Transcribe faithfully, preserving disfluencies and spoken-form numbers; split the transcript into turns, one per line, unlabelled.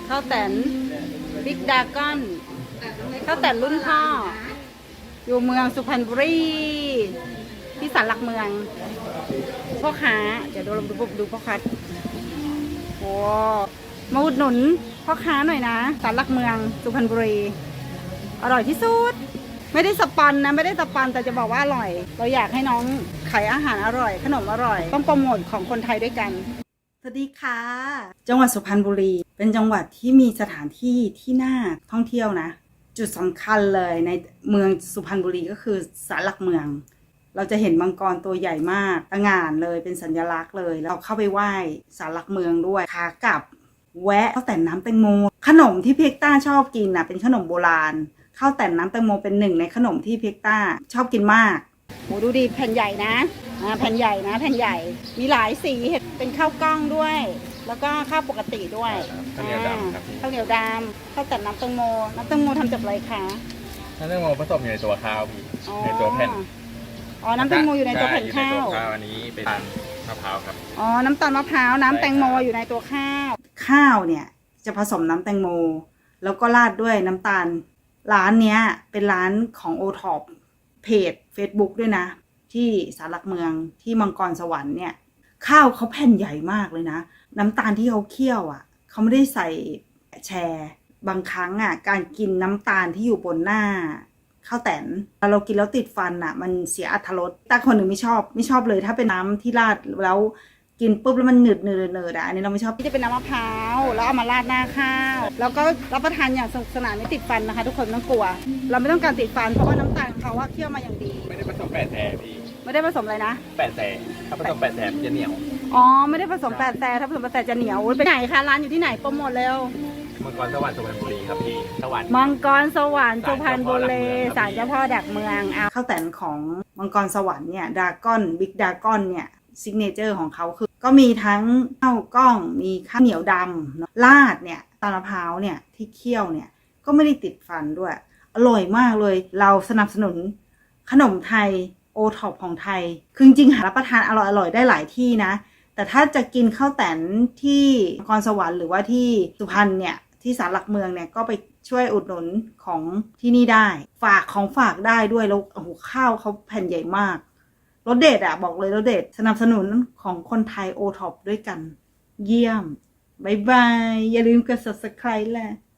ข้าวแตนบิ๊กดาก้อนข้าวแตนรุ่นพ่ออยู่เมืองสุพรรณบุรีที่ศาลหลักเมืองพ่อค้าเดี๋ยวดูดูดูพ่อค้าโอ้มาอุดหนุนพ่อค้าหน่อยนะศาลหลักเมืองสุพรรณบุรีอร่อยที่สุดไม่ได้สปันนะไม่ได้สปันแต่จะบอกว่าอร่อยเราอยากให้น้องขายอาหารอร่อยขนมอร่อยต้องโปรโมทของคนไทยด้วยกันสวัสดีค่ะจังหวัดสุพรรณบุรีเป็นจังหวัดที่มีสถานที่ที่น่าท่องเที่ยวนะจุดสำคัญเลยในเมืองสุพรรณบุรีก็คือศาลหลักเมืองเราจะเห็นมังกรตัวใหญ่มากตะหง่านเลยเป็นสัญลักษณ์เลยเราเข้าไปไหว้ศาลหลักเมืองด้วยขากลับแวะข้าวแต่นน้ำแตงโมขนมที่เพียกต้าชอบกินนะเป็นขนมโบราณข้าวแต่นน้ำแตงโมเป็นหนึ่งในขนมที่เพียกต้าชอบกินมากโอ้ดูดีแผ่นใหญ่นะอ่าแผ่นใหญ่นะแผ่นใหญ่มีหลายสีเห็ดเป็นข้าวกล้องด้วยแล้วก็ข้าวปกติด้วย
ข้าวเหนียวดำครับ
ข้าวเหนียวดำข้าวแต่นน้ำแตงโมน้ำแตงโมทำจากอะไรคะ
น้ำแตงโมผสมอยู่ในตัวข้าวพี่ในตัวแผ่น
อ๋อน้ำแตงโมอยู่ในตัวแผ่นข้าว
อันนี้เป็นมะพร้าวครับ
อ๋อน้ำตาลมะพร้าวน้ำแตงโมอยู่ในตัวข้าวข้าวเนี่ยจะผสมน้ำแตงโมแล้วก็ราดด้วยน้ำตาลร้านเนี้ยเป็นร้านของโอท็อปเพจ Facebook ด้วยนะที่ศาลหลักเมืองที่มังกรสวรรค์เนี่ยข้าวเขาแผ่นใหญ่มากเลยนะน้ำตาลที่เขาเคี่ยวอ่ะเขาไม่ได้ใส่แชร์บางครั้งอ่ะการกินน้ำตาลที่อยู่บนหน้าข้าวแตนเรากินแล้วติดฟันอ่ะมันเสียอรรถรสแต่คนหนึ่งไม่ชอบไม่ชอบเลยถ้าเป็นน้ำที่ราดแล้วกินปุ๊บแล้วมันหนืดเนืดเนืดอ่ะอันนี้เราไม่ชอบที่จะเป็นน้ำมะพร้าวแล้วเอามาราดหน้าข้าวแล้วก็รับประทานอย่างสนุกสนานไม่ติดฟันนะคะทุกคนไม่ต้องกลัวเราไม่ต้องการติดฟันเพราะว่าน้ำตาลเขาว่าเคี่ยวมาอย่างดี
ไม่ได้ผสมแปดแสบพี่
ไม่ได้ผสมอะไรนะ
แปดแสบถ้าผสมแปดแสบจะเหนียว
อ๋อไม่ได้ผสมแปดแสบถ้าผสมแปดแสบจะเหนียวไปไหนคะร้านอยู่ที่ไหนโปรโมทเร็ว
มังกรสวรรค์สุพรรณบุรีครับพี่สวรรค์
มังกรสวรรค์สุพรรณบุรีศาลเจ้าพ่อดักเมืองข้าวแตนของมังกรสวรรค์เนี่ยดากอนบิ๊กดากอนเนี่ยซิกเนเจอร์ของเขาคือก็มีทั้งข้าวกล้องมีข้าวเหนียวดำราดเนี่ยตาลมะพร้าวเนี่ยที่เคี่ยวเนี่ยก็ไม่ได้ติดฟันด้วยอร่อยมากเลยเราสนับสนุนขนมไทยโอท็อปของไทยคือจริงๆหารับประทานอร่อยๆได้หลายที่นะแต่ถ้าจะกินข้าวแตนที่นครสวรรค์หรือว่าที่สุพรรณเนี่ยที่ศาลหลักเมืองเนี่ยก็ไปช่วยอุดหนุนของที่นี่ได้ฝากของฝากได้ด้วยแล้วโอ้โหข้าวเขาแผ่นใหญ่มากรสเด็ดอ่ะบอกเลยรสเด็ดสนับสนุนของคนไทยโอท็อปด้วยกันเยี่ยมบายบายอย่าลืมกด ซับสไครบ์ แหละ